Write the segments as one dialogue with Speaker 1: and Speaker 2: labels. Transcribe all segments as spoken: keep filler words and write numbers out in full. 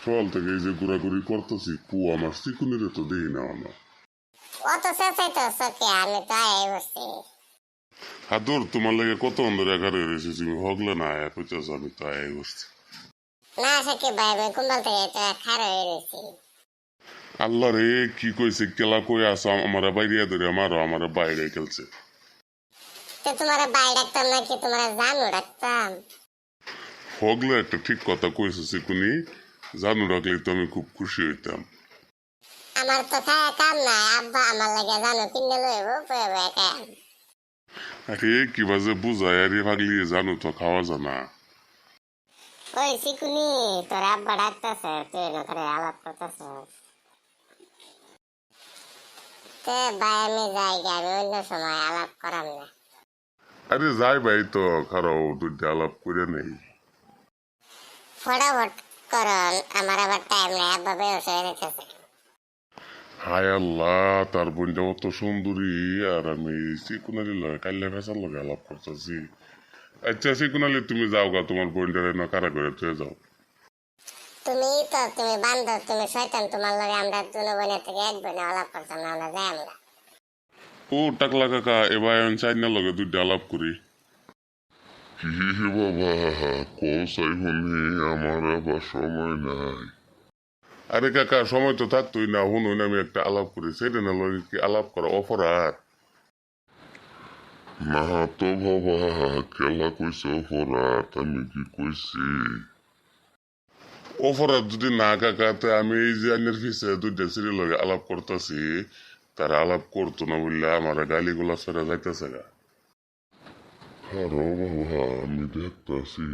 Speaker 1: সকাল থেকে এই যে ঘোরাঘুরি করতেছি, কু আমার চিকুনিরে তো দেই না আমার।
Speaker 2: অত চেঁচাই তো চোখে আমি তো আয় বসছি।
Speaker 1: হাদুর তোমার লাগে কত অন্ধের একারে রয়েছে, তুমি হগলে না আয়া কইতেছ আমি তো আয় বসছি।
Speaker 2: না সাকিব ভাই আমি কুম্বাল থেকে এটা খারাপ হয়ে রয়েছি।
Speaker 1: আল্লাহ রে কি কইছে, কেলা কই আসো আমার বাইরে ধরে আমারও আমার বাইরে খেলছে।
Speaker 2: তো তোমার বাই ডাকতাম নাকি তোমার জানু ডাকতাম?
Speaker 1: হগলে একটা ঠিক কথা কইছে চিকুনি, জানু রাখলে তো আমি খুব খুশি হইতাম।
Speaker 2: আমার তো খায় কাম নাই, আব্বা আমার লাগে জানু কিনে লইব বয়ে বয়ে খায়।
Speaker 1: আরে কি বাজে বুঝায়, আরে ভাগলি জানু তো খাওয়া জানা।
Speaker 2: ওই চিকুনি তোর আব্বা ডাকতেছে, তুই না করে আলাপ করতেছ। তে ভাই আমি যাই গে, আমি অন্য সময় আলাপ করাম না।
Speaker 1: আরে যাই ভাই তো খারাও দুইটা আলাপ করে নেই।
Speaker 2: ফটাফট করন, আমার আবার টাইম নাই, আব্বা বেরোস হয়ে যেতেছে।
Speaker 1: হায় আল্লাহ, তার বোনটা অত সুন্দরী আর আমি চিকুনালি লগে কাল্লা ফেসার লগে আলাপ করতেছি। আচ্ছা চিকুনালি তুমি যাও গা, তোমার বোনটারে না কারা করে তুই যাও।
Speaker 2: তুমি তো তুমি বান্ধব, তুমি শয়তান, তোমার লগে আমরা দুনো বোনের থেকে এক বোনে আলাপ করতাম না, আমরা যাই আমরা।
Speaker 1: ও টাকলা কাকা, এবার আমি চাইনার লগে দুইটা আলাপ করি।
Speaker 3: কি হে বাবা, কসাই হনি আমার আবার সময় নাই।
Speaker 1: আরে কাকা সময় তো থাকতোই না, হুন আমি একটা আলাপ করি, সেটা না লগে কি আলাপ করা অপরাধ?
Speaker 3: না তো বাবা, খেলা কইছে অপরাধ, আমি কি কইছি?
Speaker 1: অপরাধ যদি না কাকা, তা আমি এই যে আইনের ফিসে দুইটা সিঁড়ি লগে আলাপ করতেছি, তারা আলাপ করতো না বললে আমার গালিগুলা ফেরা যাইতেছে গা।
Speaker 3: আরো বাবা আমি দেখতাছি।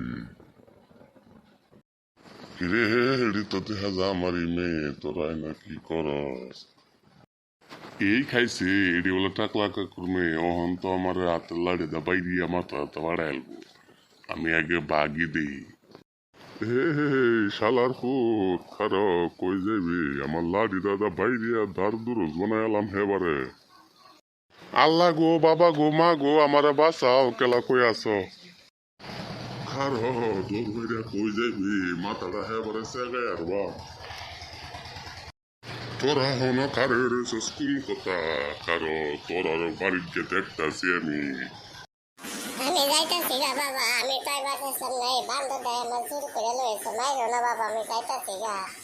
Speaker 1: কিরে হেড়ি তো দেখা যা আমার মেয়ে, তোরা না কি করস? এই খাইছে এডি বলে টাকলা কাকুর মেয়ে, অহন তো আমার হাতের লাড়ি দা বাইরিয়া মাথা হাতে বাড়াইলবো, আমি আগে বাগি দেই। হে হে হে, শালার ফুট খারো কই যাবি, আমার লাড়ি দাদা বাইরিয়া ধার দুরস বানাইলাম হেবারে। আল্লাহ গো, বাবা গো, মা গো, আমারে বাঁচাও, কেলা কই আছো? খারো দৌড় হইয়া কই যাবি, মাথাটা হেবারে সেগাই আর বা। তোরা হন কারে রয়েছে স্কুল কথা, কারো তোর বাড়ির গিয়ে দেখতাছি আমি।
Speaker 2: আমি যাইতাছি গা বাবা, আমি তাই বাসার সামনে এই বান্ধব আমার চুরি করে লইছে, মাইরো না বাবা, আমি যাইতাছি গা।